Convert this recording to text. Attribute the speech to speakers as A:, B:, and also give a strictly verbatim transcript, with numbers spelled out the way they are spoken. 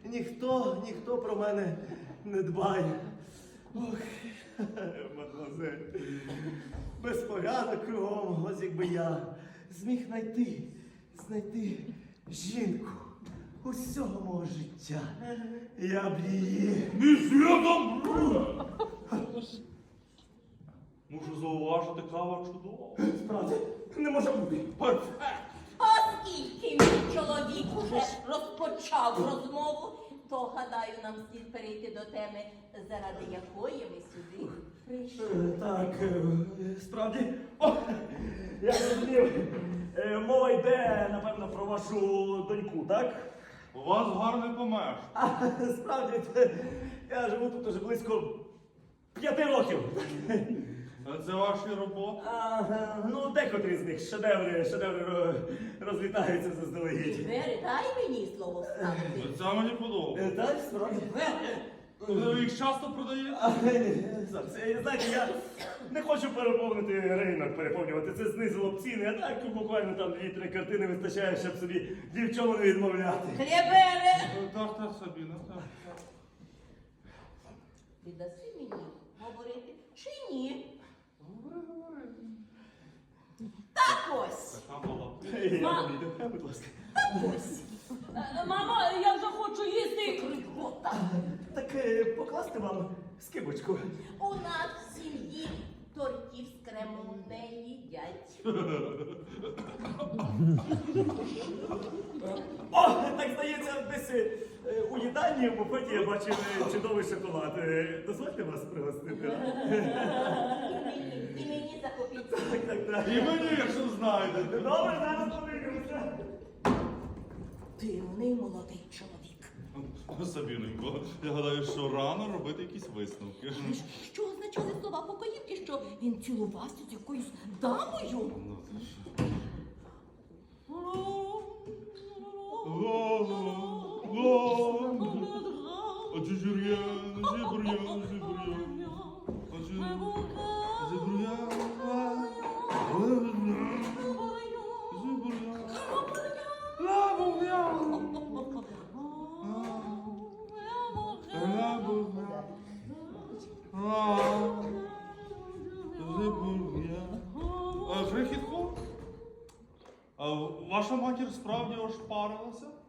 A: ніхто, ніхто про мене не дбає. Ох, мадемуазель, безпорядок кругом, ось якби я зміг знайти, знайти жінку усього мого життя. Я б її...
B: Не світом! Мушу зауважити, кава чудова.
A: Справді, не може бути.
C: Оскільки мій чоловік уже розпочав розмову, то, гадаю, нам слід перейти до теми, заради якої ми сюди прийшли.
A: Е, Так, е, справді, о, я зрозумів. Е, Мова йде, напевно, про вашу доньку, так?
B: У вас гарний помеш.
A: А, справді, те, я живу тут уже близько п'яти років.
B: Це ваші роботи?
A: А, ну, декотрі з них шедеври, шедеври ро- розлітаються заздалегідь.
C: Передай мені слово ставити.
B: Це мені подобається.
A: Е, Так, справді.
B: Ви їх часто продаєте?
A: А, ні, зараз, е, знаєте, я не хочу переповнити ринок, переповнювати. Це знизило б ціни, а так буквально там дві-три картини вистачає, щоб собі ні в чому не відмовляти.
C: Хлібере!
B: Так, так, Сабіна, так.
C: Ти даси мені говорити чи ні?
B: Говори, говори.
C: Так ось!
B: Така була.
A: Е, Я помітив, будь ласка.
C: Так ось! Е, Мама, я вже хочу їсти! Крикота!
A: Так е, покласти вам скибочку.
C: У нас в сім'ї тортів з кремом не їдять.
A: О, так здається, десь е, у їдальні в буфеті я бачив е, чудовий шоколад. Е, Дозвольте вас пригостити. а?
C: І мені, і мені захопіться.
A: Так, так, так.
B: І мені, якщо знайдете.
A: Добре, зараз подивимося.
C: Дивний молодий чоловік.
B: Сабіненько, я гадаю, що рано робити якісь висновки.
C: Що означали слова покоївки, що він цілувався з якоюсь дамою?
B: Ну, це що? А чи жур'ян, жибур'ян, жибур'ян. А чи жибур'ян, жибур'ян. Крихітко, а ваша матір справді ошпарилася?